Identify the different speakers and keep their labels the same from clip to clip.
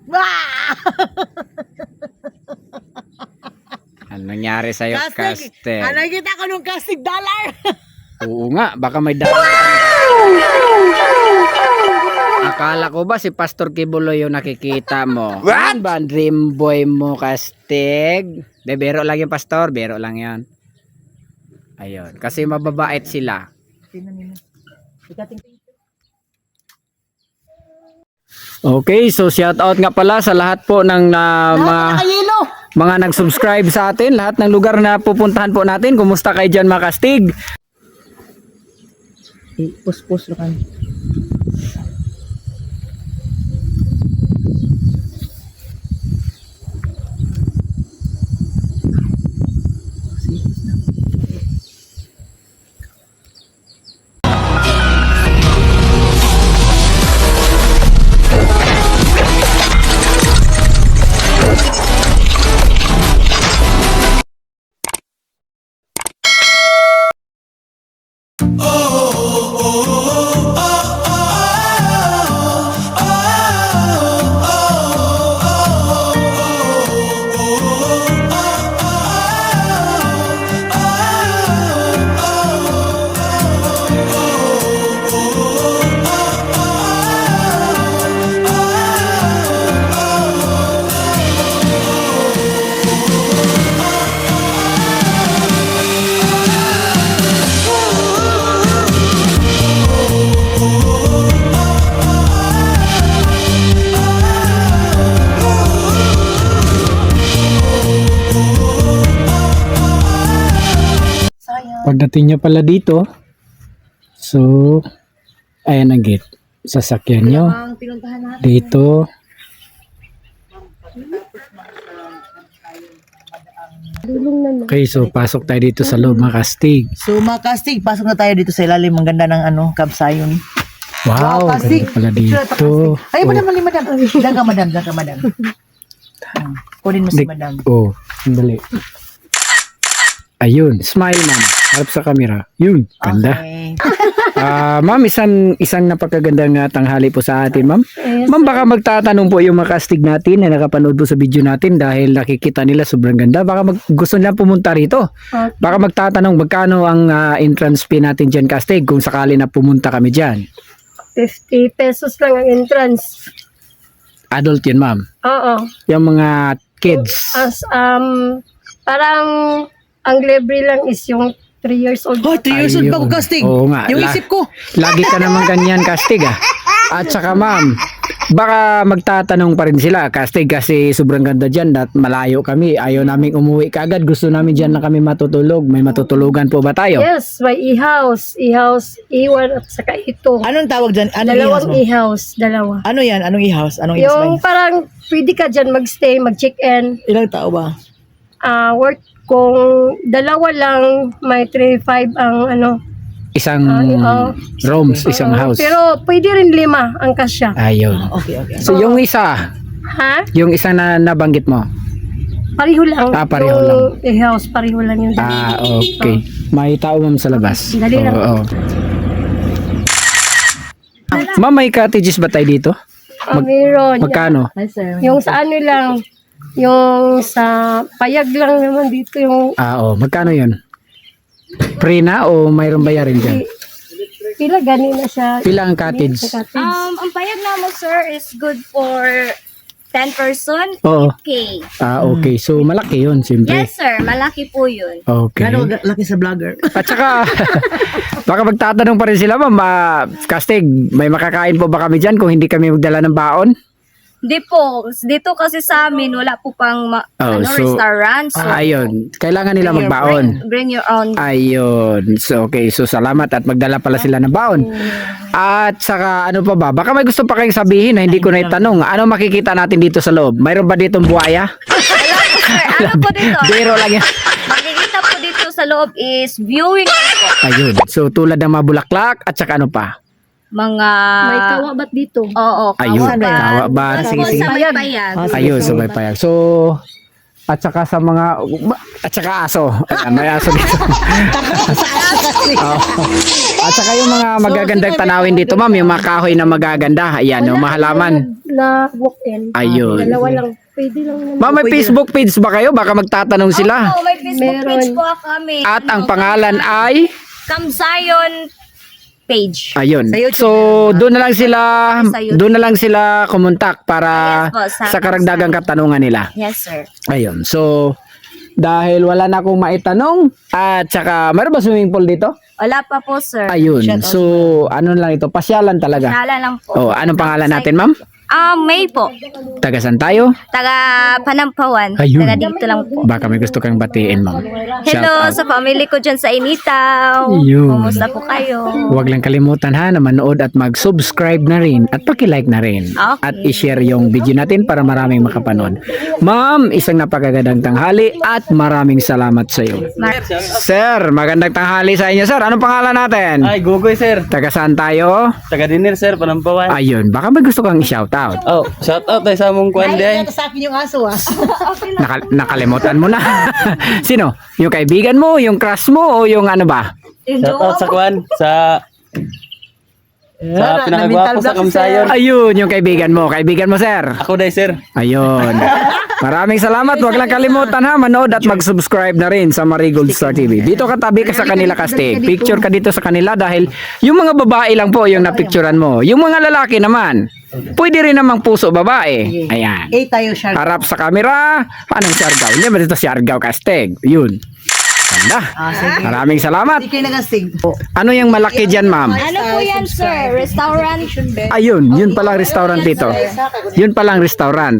Speaker 1: Ah!
Speaker 2: Ano nangyari sa'yo,
Speaker 1: Castig!
Speaker 2: Castig?
Speaker 1: Nakita ko nung castig dollar!
Speaker 2: Oo nga, baka may dalawa. Akala ko ba si Pastor Kibulo yung nakikita mo? What? Ano ba ang dream boy mo, Castig? De, biro lang yung Pastor, biro lang yan. Ayun, kasi mababait sila. Okay, so shout out nga pala sa lahat po ng mga nag-subscribe sa atin, lahat ng lugar na pupuntahan po natin. Kumusta kayo dyan, mga Castig?
Speaker 1: Pus-pus lo kan.
Speaker 2: Pagdating nyo pala dito, so, ayan ang gate. Sasakyan nyo.
Speaker 1: Ang pinuntahan natin.
Speaker 2: Dito. Okay, so pasok tayo dito sa loob, mga Castig.
Speaker 1: So mga castig, pasok na tayo dito sa ilalim. Ang ganda ng kabsayon.
Speaker 2: Wow,
Speaker 1: Castig.
Speaker 2: ganda pala dito.
Speaker 1: Ay, madam, madam. Diyan ka, madam. Kunin mo si madam.
Speaker 2: Oh, sandali. Ayun, smile ma'am. Harap sa camera. Yun, ganda.
Speaker 1: Okay.
Speaker 2: Ma'am, isang napakagandang tanghali po sa atin, ma'am. Ma'am, baka magtatanong po yung mga Castig natin na nakapanood po sa video natin dahil nakikita nila sobrang ganda. Baka gusto nila pumunta rito. Baka magtatanong magkano ang entrance fee natin dyan, Castig, kung sakali na pumunta kami dyan.
Speaker 3: 50 pesos lang ang entrance.
Speaker 2: Adult yun, ma'am.
Speaker 3: Oo.
Speaker 2: Yung mga kids.
Speaker 3: Parang ang libre lang is yung 3 years old.
Speaker 1: Oh, 3 years old pa ko,
Speaker 2: Ayun.
Speaker 1: castig.
Speaker 2: Oo nga.
Speaker 1: Yung isip ko.
Speaker 2: Lagi ka naman ganyan, Castig, ah. At saka, ma'am, baka magtatanong pa rin sila, Castig, kasi sobrang ganda dyan at malayo kami. Ayaw naming umuwi kaagad. Gusto namin dyan na kami matutulog. May matutulugan po ba tayo?
Speaker 3: Yes, may e-house. E-house, E1 at saka ito.
Speaker 1: Anong tawag dyan? Anong i-house
Speaker 3: Dalawang
Speaker 1: mo?
Speaker 3: e-house. Dalawa.
Speaker 1: Ano yan? Anong i-house? Anong i-house ba
Speaker 3: Yung
Speaker 1: yan?
Speaker 3: parang pwede ka dyan mag-stay, mag-check-in.
Speaker 1: Ilang tao ba?
Speaker 3: Worth kung dalawa lang, may 3,500 ang ano.
Speaker 2: Isang
Speaker 3: oo.
Speaker 2: rooms, isang house.
Speaker 3: Pero pwede rin 5 ang kasya.
Speaker 2: Ayun.
Speaker 1: Okay.
Speaker 2: So, yung isa,
Speaker 3: Ha?
Speaker 2: yung isa na nabanggit mo.
Speaker 3: Pareho lang.
Speaker 2: Pareho
Speaker 3: yung
Speaker 2: lang.
Speaker 3: E-house, pareho lang yung
Speaker 2: Okay. May tao, ma'am, sa labas.
Speaker 3: Dali lang.
Speaker 2: Oo. Ma'am, may cottages ba tayo dito?
Speaker 3: Meron.
Speaker 2: Magkano?
Speaker 1: Hi, sir.
Speaker 3: Yung sa ano lang, yung sa payag lang naman dito yung
Speaker 2: Magkano yun? Free na o mayroong bayarin dyan?
Speaker 3: pila gani na siya.
Speaker 2: Pila ang cottage?
Speaker 3: Sa cottage.
Speaker 4: Ang payag naman, sir, is good for 10 person,
Speaker 2: Oo.
Speaker 4: 8K.
Speaker 2: Okay. So, malaki yun, siyempre.
Speaker 4: Yes, sir. Malaki po yun.
Speaker 2: Okay.
Speaker 1: Gano'ng laki sa vlogger?
Speaker 2: At saka, baka magtatanong pa rin sila, ma'am, Castig, may makakain po ba kami dyan kung hindi kami magdala ng baon?
Speaker 4: Di po. Dito kasi sa amin, wala po pang restaurant. So,
Speaker 2: Ayun. Kailangan nila magbaon.
Speaker 4: bring your own.
Speaker 2: Ayun. So, okay. So, salamat at magdala pala sila ng baon. At saka, ano pa ba? Baka may gusto pa kayong sabihin na hindi ko na itanong. Ano makikita natin dito sa loob? Mayroon ba ditong buhaya?
Speaker 4: Sir, ano po dito?
Speaker 2: Biro lang yan.
Speaker 4: Makikita po dito sa loob is viewing po.
Speaker 2: Ayun. So, tulad ng mga bulaklak at saka ano pa?
Speaker 4: Mga...
Speaker 3: May kawabat dito.
Speaker 4: Oo,
Speaker 2: Ayun.
Speaker 4: kawabat.
Speaker 2: Kawabat.
Speaker 4: Tapos
Speaker 2: Sige, sige.
Speaker 4: sa may payag.
Speaker 2: Ayun, so may payag. So, at saka sa mga at saka aso. Ayan, may aso dito. Oo. At saka yung mga magagandang tanawin dito, ma'am, yung mga kahoy na magaganda. Ayan, yung mahalaman.
Speaker 3: Na walk-in.
Speaker 2: Ayun.
Speaker 3: Dalawa lang. Pwede lang naman.
Speaker 2: Ma'am, may Facebook page ba kayo? Baka magtatanong sila.
Speaker 4: Opo, may Facebook page
Speaker 3: Meron.
Speaker 4: po kami.
Speaker 2: At ang pangalan ay
Speaker 4: Kamsayon page.
Speaker 2: ayun.
Speaker 1: Sa YouTube
Speaker 2: So, doon na lang sila
Speaker 4: Sa YouTube.
Speaker 2: doon na lang sila kumontak para
Speaker 4: Yes po,
Speaker 2: sa karagdagang katanungan nila.
Speaker 4: Yes, sir.
Speaker 2: Ayun. So, dahil wala na akong maitanong at saka meron ba swimming pool dito?
Speaker 4: Wala pa po, sir.
Speaker 2: Ayun. So, ano lang ito? Pasyalan talaga.
Speaker 4: Kala lang po.
Speaker 2: Oh, anong pangalan natin, ma'am?
Speaker 4: May po.
Speaker 2: Taga saan tayo?
Speaker 4: Taga Panampawan.
Speaker 2: Ayun.
Speaker 4: Taga dito lang po.
Speaker 2: Baka may gusto kang batiin, ma'am.
Speaker 4: Hello
Speaker 2: Shout out.
Speaker 4: sa family ko dyan sa Initaw.
Speaker 2: Ayun.
Speaker 4: Kumusta po kayo?
Speaker 2: Huwag lang kalimutan ha na manood at mag-subscribe na rin at paki-like na rin.
Speaker 4: Okay.
Speaker 2: At i-share yung video natin para maraming makapanood. Ma'am, isang napakagandang tanghali at maraming salamat sa iyo. Sir, magandang tanghali sa inyo, sir. Anong pangalan natin?
Speaker 5: Ay, Gugoy sir.
Speaker 2: Taga saan tayo?
Speaker 5: Taga dinner sir, Panampawan.
Speaker 2: Ayun, baka may gusto kang i-shout out.
Speaker 5: Oh, shout out tayo sa among kwan
Speaker 1: Ay,
Speaker 5: day.
Speaker 1: sa akin yung aso ah.
Speaker 2: Nakalimutan mo na. Sino? Yung kaibigan mo, yung crush mo, o yung ano ba?
Speaker 5: Shout out sa kwan sa pinakagwapo sa Kamsayon.
Speaker 2: Ayun, yung kaibigan mo. Kaibigan mo, sir.
Speaker 5: Ako day sir.
Speaker 2: Ayun. Maraming salamat. Huwag lang kalimutan ha, manood at mag-subscribe na rin sa Marigold Star TV. Dito ka tabi ka sa kanila, Kastig. Picture ka dito sa kanila dahil yung mga babae lang po yung napicturan mo. Yung mga lalaki naman, pwede rin namang puso babae. Ayan.
Speaker 1: Tayo siya.
Speaker 2: Harap sa camera. Anong siargaw? Hindi ba dito siargaw, Kastig? Yun. Ganda.
Speaker 1: Sige.
Speaker 2: Maraming salamat.
Speaker 1: Hindi kayo nagasig.
Speaker 2: Ano yung malaki dyan, ma'am?
Speaker 4: Ano po yan, sir? Restaurant?
Speaker 2: Ayun, yun palang restaurant dito. Yun palang restaurant.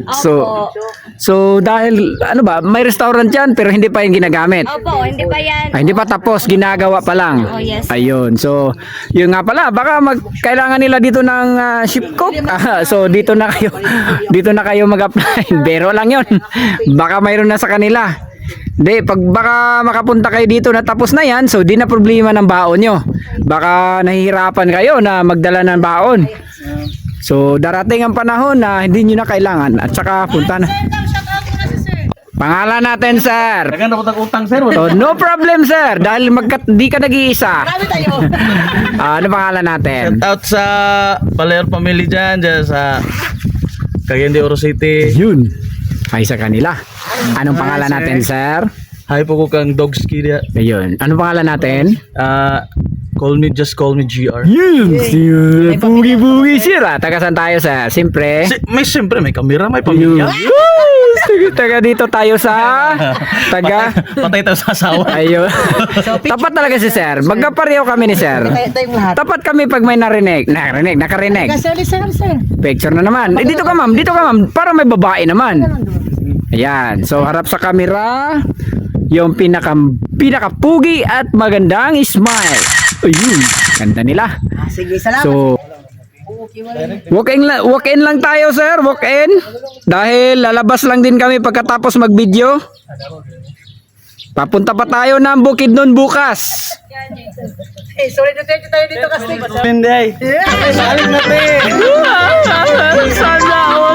Speaker 2: So dahil ano ba, may restaurant diyan pero hindi pa yung ginagamit.
Speaker 4: Opo, hindi pa yan.
Speaker 2: Hindi pa tapos, ginagawa pa lang.
Speaker 4: Oh, yes.
Speaker 2: Ayun. So, yun nga pala, baka kailangan nila dito ng ship cook. So, dito na kayo. Dito na kayo mag-apply. Pero lang 'yon. Baka mayroon na sa kanila. Hindi, pag baka makapunta kayo dito na tapos na yan, so di na problema ng baon nyo. Baka nahihirapan kayo na magdala ng baon. So darating ang panahon na hindi nyo na kailangan at saka punta na. Pangalan natin, sir.
Speaker 5: Taga na utang sir.
Speaker 2: So, no problem, sir. Dahil di ka nag-iisa.
Speaker 1: Kami tayo.
Speaker 2: Ano pangalan natin?
Speaker 5: Shout out sa Paler family dyan sa Cagayan de Oro City.
Speaker 2: Yun. Ay sa kanila. Anong pangalan natin, sir?
Speaker 5: Hi po ko kang Dogski dia.
Speaker 2: Ayun. Anong pangalan natin?
Speaker 5: Just call me GR.
Speaker 2: Yun. Bugi-bugi, sir. Taga saan tayo, sir? Siyempre.
Speaker 5: Siyempre may kamera, may pamilya.
Speaker 2: Taga dito tayo sa
Speaker 5: Patay tayo sa asawa.
Speaker 2: ayun. Tapat talaga si sir. Magkapareho kami ni sir.
Speaker 1: Tayong lahat.
Speaker 2: Tapat kami pag may nakarinig.
Speaker 1: Sir.
Speaker 2: Picture na naman. Dito ka ma'am. Para may babae naman. Ayan. So harap sa camera yung pinakapugi at magandang smile. Ayun. Ganda nila.
Speaker 1: Sige, salamat.
Speaker 2: So, walk in lang tayo, sir. Walk in. Dahil lalabas lang din kami pagkatapos mag-video. Papunta pa tayo ng Bukidnon bukas.
Speaker 1: Sorry na tayo dito kasi.
Speaker 5: Pinday. Saling natin.
Speaker 2: Sana all.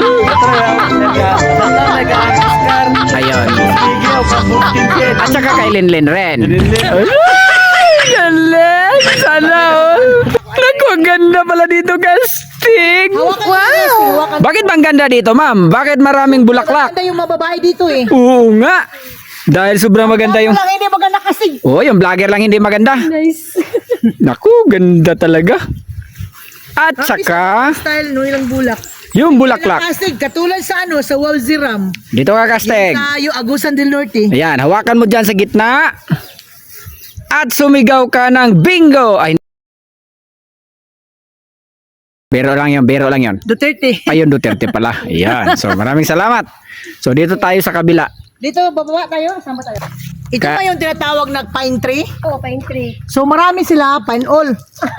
Speaker 2: Ayun. At saka kay Linlin rin. Ay, galing. Sana all. Naku, ang ganda pala dito, Kastig. Wow. Bakit bang ganda dito, ma'am? Bakit maraming bulaklak?
Speaker 1: Maganda yung mababae dito eh.
Speaker 2: Oo nga. Dahil sobrang maganda yung...
Speaker 1: Wala hindi maganda kasi.
Speaker 2: Oh, yung vlogger lang hindi maganda.
Speaker 3: Nice.
Speaker 2: Naku, ganda talaga. At saka,
Speaker 1: Style no ilang bulak.
Speaker 2: yung bulaklak.
Speaker 1: Kasig katulad sa sa Walziram.
Speaker 2: Dito ka, Kastig.
Speaker 1: Sa yung Agusan del Norte.
Speaker 2: Ayan, hawakan mo dyan sa gitna. At sumigaw ka ng bingo. Ay, biro lang yun.
Speaker 1: Duterte.
Speaker 2: Ayun, Duterte pala. Ayan, so maraming salamat. So dito tayo sa kabila.
Speaker 1: Dito bababa tayo, sama tayo. Ito
Speaker 2: Ka-
Speaker 1: ba yung tinatawag na pine tree?
Speaker 3: Oh, pine tree.
Speaker 1: So marami sila, pine all.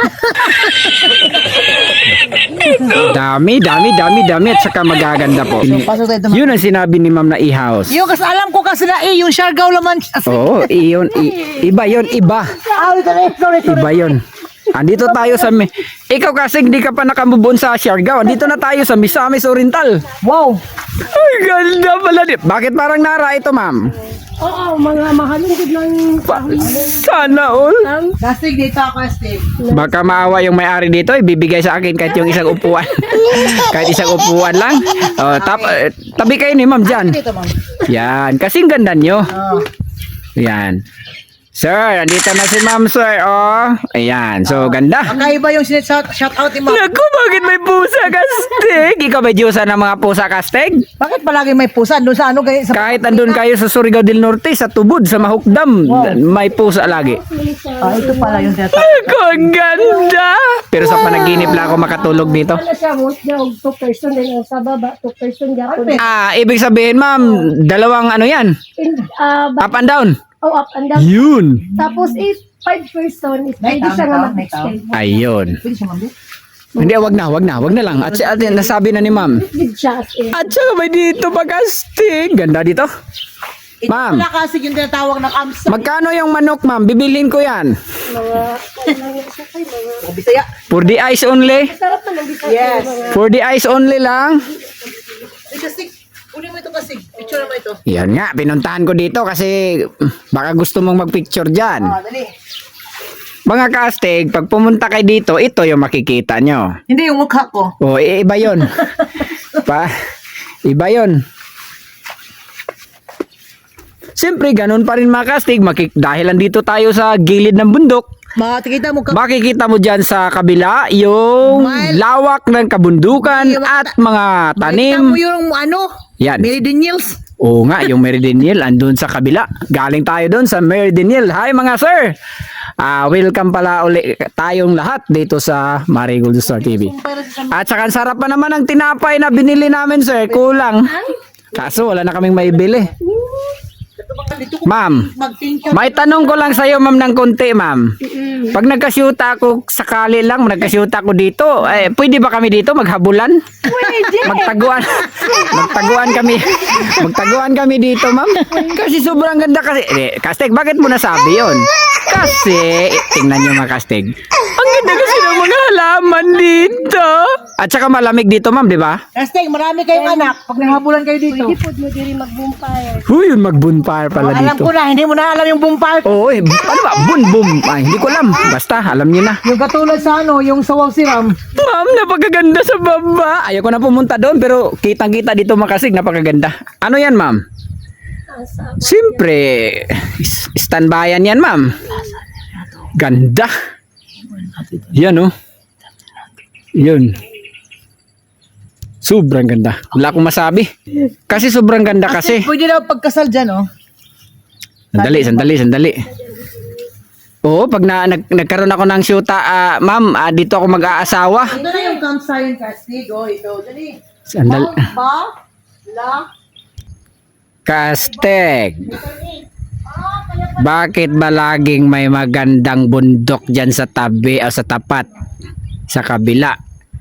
Speaker 2: Dami at saka magaganda po.
Speaker 1: Pasok tayo.
Speaker 2: Yun ang sinabi ni Ma'am na i-house.
Speaker 1: Yung kasi alam ko kasi na yung Siargao laman.
Speaker 2: Oo, iba yun, iba.
Speaker 1: Sorry.
Speaker 2: Iba yun. Andito tayo sa ikaw kasi hindi ka pa nakamubon sa Siargao. Andito na tayo sa Misamis Oriental.
Speaker 1: Wow!
Speaker 2: Ay, ganda pala. Bakit parang nara ito, ma'am?
Speaker 3: Oo, mga mahalong good lang.
Speaker 2: Sana all.
Speaker 1: Kastig dito ako, Kastig.
Speaker 2: Baka maawa yung may-ari dito, ibibigay sa akin kahit yung isang upuan. Kahit isang upuan lang. Oh, tabi kayo ni ma'am dyan.
Speaker 1: Dito, ma'am.
Speaker 2: Yan, kasing ganda nyo.
Speaker 1: Oh.
Speaker 2: Yan. Sir, andito na si ma'am, sir. Oh, ayan. So, ganda.
Speaker 1: Kakaiba yung shout out ni ma'am.
Speaker 2: Naku, bakit may pusa, Kastig? Ikaw ba Diyosa ng mga pusa, Kastig?
Speaker 1: Bakit palagi may pusa? Doon sa ano kayo? Sa
Speaker 2: Kahit andun kayo sa Surigao del Norte, sa Tubod, sa Mahukdam, may pusa lagi.
Speaker 1: ito pala yung tinatawag.
Speaker 2: Naku, ang ganda. Pero sa panaginip lang ako makatulog dito.
Speaker 3: Ano siya, most niya, 2 person din. Sa baba, 2 person niya.
Speaker 2: Ibig sabihin, ma'am, dalawang ano yan? Up and down.
Speaker 3: Oh, up and down.
Speaker 2: Yun.
Speaker 3: Tapos, if 5 person, is
Speaker 1: May
Speaker 3: pwede siya nga
Speaker 1: tao, may tao.
Speaker 3: mag-extend.
Speaker 2: Ayun.
Speaker 1: Pwede siya, ma'am.
Speaker 2: Hindi, wag na lang. At nasabi na ni ma'am.
Speaker 3: With siya as in.
Speaker 2: At saka may dito pag-astig. Ganda dito.
Speaker 1: Ito
Speaker 2: Ma'am.
Speaker 1: pala kasi yung tinatawag na kamsa.
Speaker 2: Magkano yung manok, ma'am? Bibilhin ko yan.
Speaker 3: Mga, ano nga siya kayo, mga,
Speaker 1: O, Bisaya.
Speaker 2: For the eyes only.
Speaker 3: sarap naman dito.
Speaker 1: Yes.
Speaker 3: Mga,
Speaker 2: For the eyes only lang.
Speaker 1: Kastig. Kunin mo ito, Kastig. Picture mo ito.
Speaker 2: Yan nga, pinuntahan ko dito kasi baka gusto mong magpicture dyan.
Speaker 1: Dali.
Speaker 2: Mga kastig, pag pumunta kayo dito, ito yung makikita nyo.
Speaker 1: Hindi yung mukha ko.
Speaker 2: O, iba yun. Iba yun. Siyempre, ganun pa rin mga kastig. Dahil andito tayo sa gilid ng bundok,
Speaker 1: Makikita mo ka.
Speaker 2: makikita mo dyan sa kabila yung lawak ng kabundukan at mga
Speaker 1: Makikita
Speaker 2: tanim.
Speaker 1: mo yung ano?
Speaker 2: Yan.
Speaker 1: Meridianials.
Speaker 2: Oo nga, yung Meridinial andun sa kabila. Galing tayo doon sa Meridinial. Hi mga sir! Welcome pala uli tayong lahat dito sa Marigold Star TV. At saka ang sarap pa naman ang tinapay na binili namin sir. Kulang. Kaso wala na kaming maibili. Ma'am,
Speaker 1: Mag-thank you.
Speaker 2: may tanong ko lang sa'yo ma'am ng konti ma'am. Pag nagkasyuta ako sakali lang, nagkasyuta ako dito, pwede ba kami dito maghabulan? Pwede. Magtaguan kami. Magtaguan kami dito ma'am. Kasi sobrang ganda kasi. Kastig, bakit mo nasabi yon? Kasi, tingnan nyo mga kastig. Ang ganda kasi ng mga halaman dito. At saka malamig dito ma'am, di ba?
Speaker 1: Kastig, marami kayong anak. Pag nahabulan kayo dito.
Speaker 3: pwede po mo diri mag-bonfire.
Speaker 2: Yun, mag-bonfire pala
Speaker 1: Alam
Speaker 2: dito.
Speaker 1: ko na, hindi mo na alam yung bumpal.
Speaker 2: Oo, ano ba? Bum. Ay, hindi ko alam. Basta, alam niyo na.
Speaker 1: Yung katulad sa ano, yung sawaw siram.
Speaker 2: Ma'am, napakaganda sa baba. Ayoko na pumunta doon, pero kitang-kita dito makasig, napakaganda. Ano yan, ma'am? Siyempre, standbyan yan, ma'am. Ganda. Yan, oh. Yun. Sobrang ganda. Wala akong masabi. Kasi sobrang ganda kasi.
Speaker 1: Pwede daw pagkasal dyan, oh.
Speaker 2: Sandali. Oo, pag nagkaroon ako ng syuta, ma'am, dito ako mag-aasawa.
Speaker 1: Ito na yung campsite, Kastig. Oh, ito. Dali.
Speaker 2: Sandali.
Speaker 1: La.
Speaker 2: Kastig. Bakit ba laging may magandang bundok dyan sa tabi o sa tapat? Sa kabila?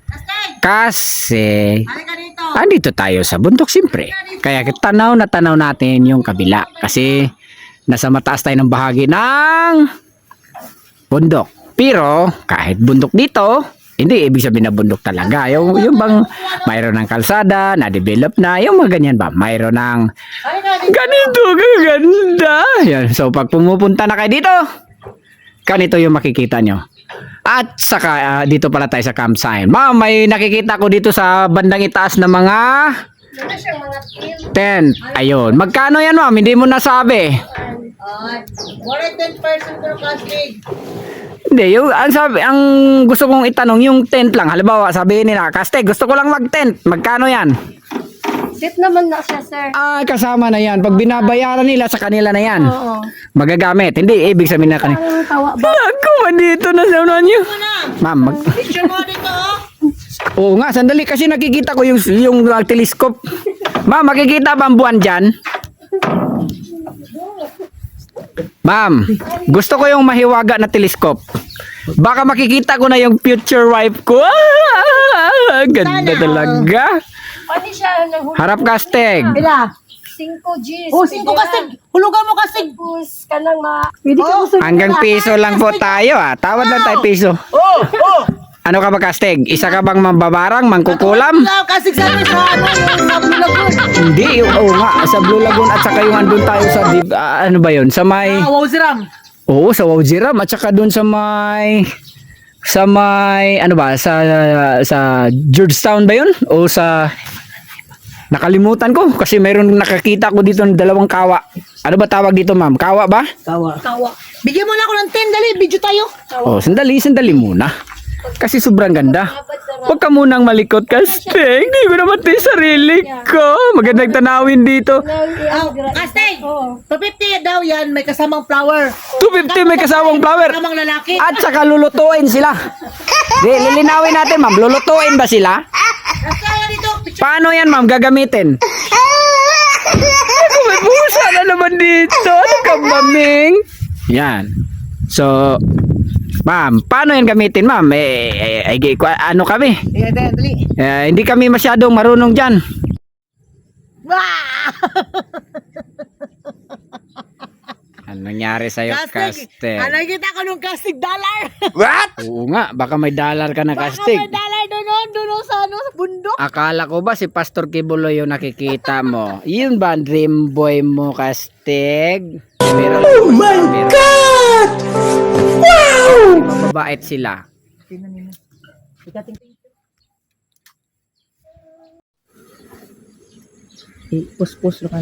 Speaker 2: Kasi andito tayo sa bundok siyempre. Kaya tanaw natin yung kabila. Kasi nasa mataas tayo ng bahagi ng bundok. Pero kahit bundok dito, hindi ibig sabihin na bundok talaga. Yung bang mayroon ng kalsada, na-develop na, yung mga ganyan ba? Mayroon ng ganito, gaganda. Yan. So pag pumupunta na kayo dito, ganito yung makikita nyo. At saka dito pala tayo sa campsite. Ma'am, may nakikita ko dito sa bandang itaas na mga tent. Ayun. Magkano yan ma'am? Hindi mo nasabi.
Speaker 1: More than 10% per Kastig.
Speaker 2: Hindi, ang gusto kong itanong yung tent lang. Halimbawa, sabihin nila, Kastig, gusto ko lang mag-tent. Magkano yan?
Speaker 3: Set naman na siya, sir.
Speaker 2: Kasama na yan. Pag binabayaran nila sa kanila na yan.
Speaker 3: Oo.
Speaker 2: Magagamit. Hindi, ibig sabihin na kanila.
Speaker 3: Ang tawa ba?
Speaker 2: Ako, dito na sa unan nyo. Ma'am,
Speaker 1: Picture mo dito, oh.
Speaker 2: oo nga, sandali kasi nakikita ko yung telescope. Ma'am, makikita ba ang buwan dyan? Ma'am, gusto ko yung mahiwaga na telescope. Baka makikita ko na yung future wife ko. Ganda talaga.
Speaker 3: Pwede siya nang
Speaker 2: Harap Kastig.
Speaker 1: Pila.
Speaker 3: 5 Gs.
Speaker 1: Oh, 5 kastig. Hulugan mo kastig.
Speaker 3: Tapos, kanang pwede ka
Speaker 1: Oh.
Speaker 3: gusto
Speaker 2: Hanggang piso lang po tayo ah. Tawad lang tayo piso.
Speaker 1: Oh, oh.
Speaker 2: Ano ka ba kastig? Isa ka bang mambabarang, mangkukulam?
Speaker 1: Kastig sabi sa ano, yung sa Bulacan.
Speaker 2: Hindi, oo nga. Sa Blue Lagoon at saka yung andun tayo sa, ano ba yun? Sa may,
Speaker 1: Wow, siram.
Speaker 2: oo, sa Waujiram at saka dun sa may, ano ba? Sa Georgetown ba yun? O sa, nakalimutan ko kasi mayroon nakakita ko dito ng dalawang kawa. Ano ba tawag dito, ma'am? Kawa ba?
Speaker 1: Kawa.
Speaker 3: kawa.
Speaker 1: Bigyan mo na ako ng 10, dali. Video tayo.
Speaker 2: Oh, sandali muna. Kasi sobrang ganda. Huwag ka munang malikot kasi hindi ko naman tayo sarili ko. Magandang tanawin dito.
Speaker 1: Oh, kastig.
Speaker 3: Oo.
Speaker 1: 250 daw yan, may kasamang flower.
Speaker 2: 250 may kasawang flower.
Speaker 1: Kasamang lalaki.
Speaker 2: At saka lulutuin sila. Di, lilinawin natin, ma'am. Lulutuin ba sila?
Speaker 1: Kasama dito.
Speaker 2: Paano yan, ma'am? Gagamitin? Ako, may busa na naman dito. Ano ka, maming? Yan. So, ma'am, paano yan gamitin, ma'am? Ano kami?
Speaker 1: Ayan, dali.
Speaker 2: Hindi kami masyadong marunong dyan.
Speaker 1: Wah!
Speaker 2: Ano nangyari sa'yo,
Speaker 1: Kastig.
Speaker 2: Kastig?
Speaker 1: Nakita ko nung kastig dollar.
Speaker 2: What? Oo nga, baka may dollar ka na, Kastig.
Speaker 1: May dollar doon sa bundok.
Speaker 2: Akala ko ba si Pastor Kibulo yung nakikita mo? Yun ba ang dream boy mo, Kastig? Oh my God! Wow! Mababait sila.
Speaker 1: Tingnan niyo. Pus-pus lo kan.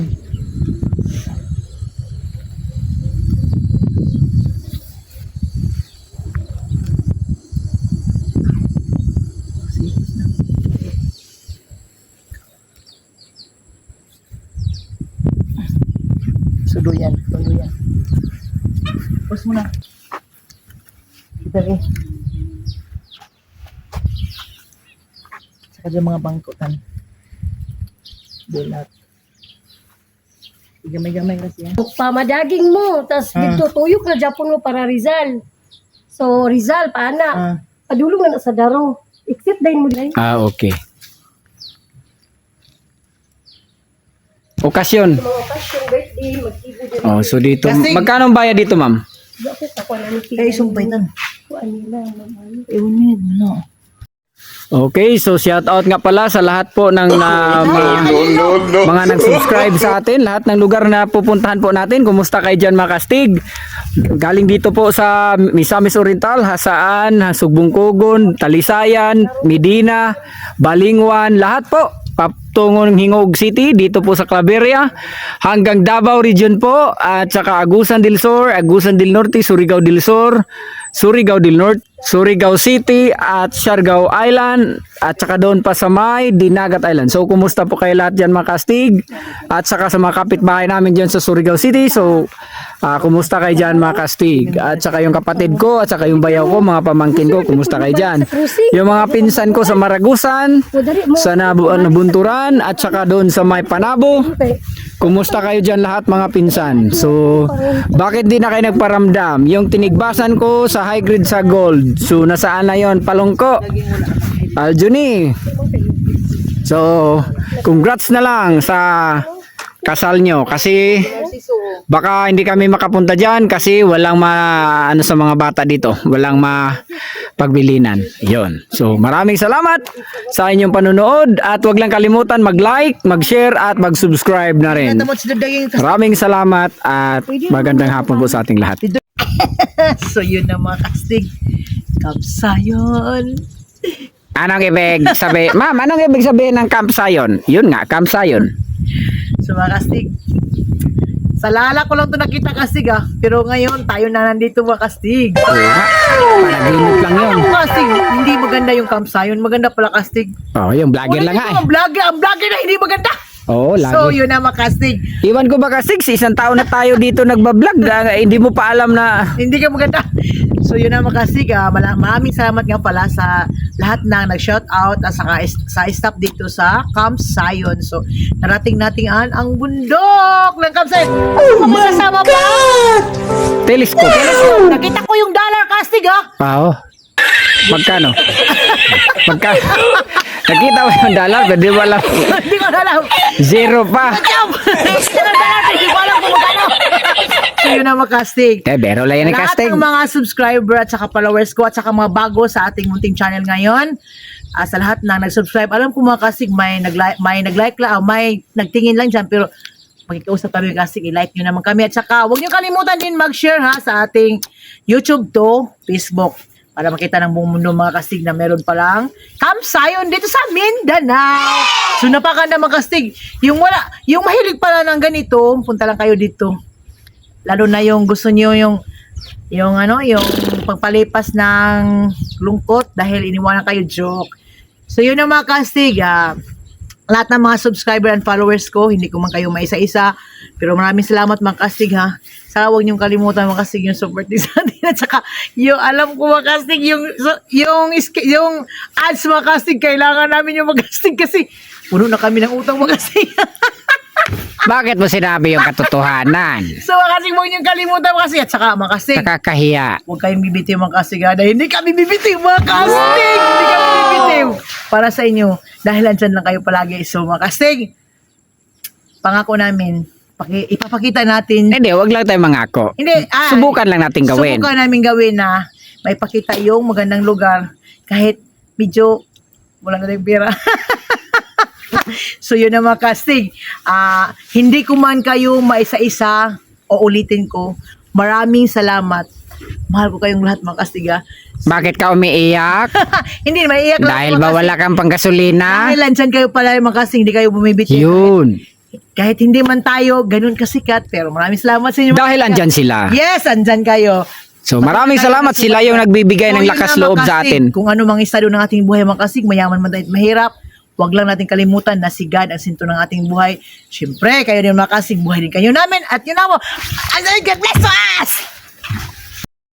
Speaker 1: Suduyan. Pus mo na. Kita rin. Saka dyan mga bangkutan. Bulat. Gamay-gamay kasi yan.
Speaker 3: Pamadaging mo, tas dito tuyok na Japon mo para Rizal. So, Rizal, paana. Padulong na sa daro. Except dahil mo dahil.
Speaker 2: Ah, okay. Okasyon.
Speaker 3: Mga okasyon, birthday, magtibo din.
Speaker 2: Oh, so dito,
Speaker 1: Kastig.
Speaker 2: magkano ang bayad dito, ma'am?
Speaker 3: Bakit ako na nitigan?
Speaker 1: Kaya sumpaitan.
Speaker 3: Kuan nila, mamay.
Speaker 1: Ewan niyo, no.
Speaker 2: Okay, so shout out nga pala sa lahat po ng mga nag-subscribe sa atin, lahat ng lugar na pupuntahan po natin. Kumusta kayo dyan, mga Kastig? Galing dito po sa Misamis Oriental, Hasaan, Sugbungkugon, Talisayan, Medina, Balingwan, lahat po. Patungong Hingog City, dito po sa Claveria, hanggang Davao Region po, at saka Agusan del Sur, Agusan del Norte, Surigao del Sur, Surigao del Norte, Surigao City, at Siargao Island, at saka doon pa sa may Dinagat Island. So, kumusta po kayo lahat dyan, mga Kastig? At saka sa mga kapitbahay namin dyan sa Surigao City. So, kumusta kayo dyan, mga Kastig? At saka yung kapatid ko, at saka yung bayaw ko, mga pamangkin ko, kumusta kayo dyan? Yung mga pinsan ko sa Maragusan, sa Nabunturan, at saka doon sa may Panabo. Kumusta kayo dyan lahat, mga pinsan? So, bakit di na kayo nagparamdam? Yung tinigbasan ko sa high grade sa gold. So, nasaan na yon? Palongko. Aljuni. So, congrats na lang sa kasal nyo. Kasi, baka hindi kami makapunta dyan kasi walang ano sa mga bata dito. Walang pagbilinan. Yon. So, maraming salamat sa inyong panunood at wag lang kalimutan mag-like, mag-share at mag-subscribe na rin.
Speaker 1: Tamot si Daging kastig.
Speaker 2: Maraming salamat at magandang hapon po sa ating lahat.
Speaker 1: So yun na mga kastig. Kapsayon.
Speaker 2: Anong ibig sabihin? Ma'am, anong ibig sabihin ng Camp Sayon? Yun nga, Camp Sayon.
Speaker 1: So mga kastig. Sa lala ko lang to nakita kastig pero ngayon tayo na nandito mga kastig.
Speaker 2: Oo nga, panaginip lang yun.
Speaker 1: Ano kastig? Hindi maganda yung Kapsayon. Maganda pala kastig.
Speaker 2: Oo, yung vlogger lang nga eh.
Speaker 1: Ang vlogger na hindi maganda.
Speaker 2: Oo,
Speaker 1: So
Speaker 2: lagi.
Speaker 1: yun na mga kastig.
Speaker 2: Iwan ko ba kasi, isang taon na tayo dito nagbablog, hindi mo pa alam na...
Speaker 1: Hindi ka maganda. So yun na mga kastig. Maraming salamat nga pala sa lahat na nag-shoutout at sa staff dito sa Camp Sayon. So narating natin ang bundok ng Camp Sayon. Oh my God!
Speaker 2: Telescope.
Speaker 1: Nakita ko yung dollar kastig
Speaker 2: Oo. Magkano? Magkano? Nakita mo yung dollar, pero di mo alam.
Speaker 1: Hindi ko alam.
Speaker 2: Zero pa.
Speaker 1: Hindi ko alam kung magkano. So yun na mga kastig.
Speaker 2: Bero lang yan ni
Speaker 1: Lahat
Speaker 2: casting.
Speaker 1: ng mga subscriber at saka followers ko at saka mga bago sa ating munting channel ngayon, sa lahat na nag-subscribe, alam ko mga kasig, may nag-like lang, may nagtingin lang dyan, pero magkikiusap kami kasig, i-like nyo naman kami. At saka, huwag nyo kalimutan din mag-share ha sa ating YouTube to Facebook para makita ng buong mundo mga kasig na meron palang Camp Zion dito sa Mindanao. So napakaganda mga kasig. Yung mahilig pala ng ganito, punta lang kayo dito. Lalo na yung gusto niyo yung pagpalipas ng lungkot dahil iniwanan kayo, joke. So yun ang mga kastig, lahat ng mga subscriber and followers ko, hindi ko man kayo maisa-isa, pero maraming salamat mga kastig ha. Saka huwag niyong kalimutan mga kastig yung support din sa atin, at saka yung alam ko mga kastig, yung ads mga kastig, kailangan namin yung mga kastig kasi puno na kami ng utang mga kastig.
Speaker 2: Bakit mo sinabi yung katotohanan?
Speaker 1: So mga kastig, huwag niyong kalimutan mga kastig, at saka mga kastig,
Speaker 2: Nakakahiya.
Speaker 1: huwag kayong bibitiw mga kastig ha, dahil hindi kami bibitiw mga kastig, hindi kami bibitiw para sa inyo, dahil andyan lang kayo palagi. So mga kastig, pangako namin, ipapakita natin,
Speaker 2: Hindi, wag lang tayo mangako.
Speaker 1: hindi,
Speaker 2: Subukan lang natin gawin.
Speaker 1: subukan namin gawin na may pakita yung magandang lugar kahit medyo wala na tayong pera. So yun na mga kastig, hindi ko man kayo maisa-isa o ulitin ko, maraming salamat, mahal ko kayong lahat mga kastig ha.
Speaker 2: Bakit ka umiiyak?
Speaker 1: Hindi, maiiyak lang
Speaker 2: Dahil
Speaker 1: mga
Speaker 2: ba
Speaker 1: kastig.
Speaker 2: wala kang panggasolina?
Speaker 1: Dahil andyan kayo pala mga kastig, hindi kayo bumibiti.
Speaker 2: Yun.
Speaker 1: Kahit hindi man tayo ganun kasikat, pero maraming salamat sa inyo. mga
Speaker 2: Dahil
Speaker 1: kasikat.
Speaker 2: andyan sila.
Speaker 1: Yes, andyan kayo.
Speaker 2: So maraming salamat, sila yung nagbibigay ng lakas loob sa atin.
Speaker 1: Kung ano mang estado ng ating buhay mga kasig, mayaman man tayo at mahirap, huwag lang natin kalimutan na si God ang sinto ng ating buhay. Siyempre, kayo din mga kasig, buhay din kayo namin. At yun na mo, God bless us!